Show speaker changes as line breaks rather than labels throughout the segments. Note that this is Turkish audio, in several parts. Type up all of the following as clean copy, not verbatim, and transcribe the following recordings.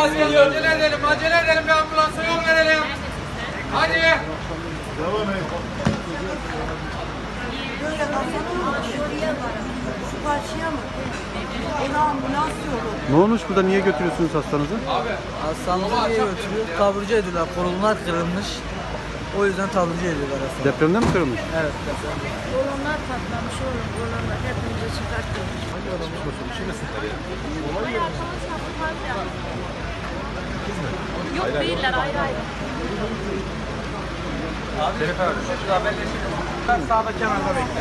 ambulans geliyor. Acele edelim bir ambulansa yol verelim. Hadi.
Devam et.
Böyle bakalım şuraya var. Şu karşıya mı? Ona ambulans yolu.
Ne olmuş burada? Niye götürüyorsunuz hastanızı?
Hastaneye götürüyor. Taburcu ediyorlar. Kolonlar kırılmış. O yüzden taburcu ediyorlar hastaneye.
Depremde mi kırılmış?
Evet.
Kolonlar patlamış oğlum. Kolonlar hepimizi çıkartıyor.
Yok değiller ayrı ayrı.
Şerif abi şurada haberleşelim. Ben sağda kenarda bekle.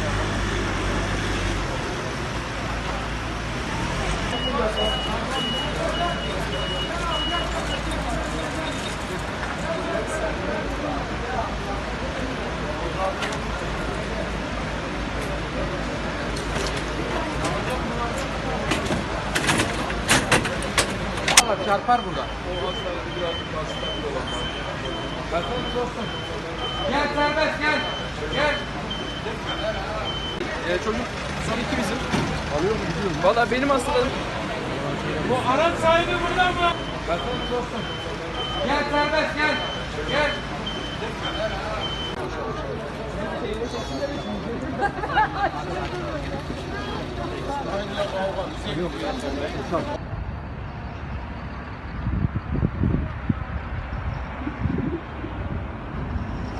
Çarpar burada. Bakalım dostum. Gel serbest gel. Gel.
Çocuk son iki bizim. Alıyor mu gidiyor mu? Valla benim hastalarım.
Bu araç sahibi burada mı? Bakalım dostum. Gel serbest gel. Gel.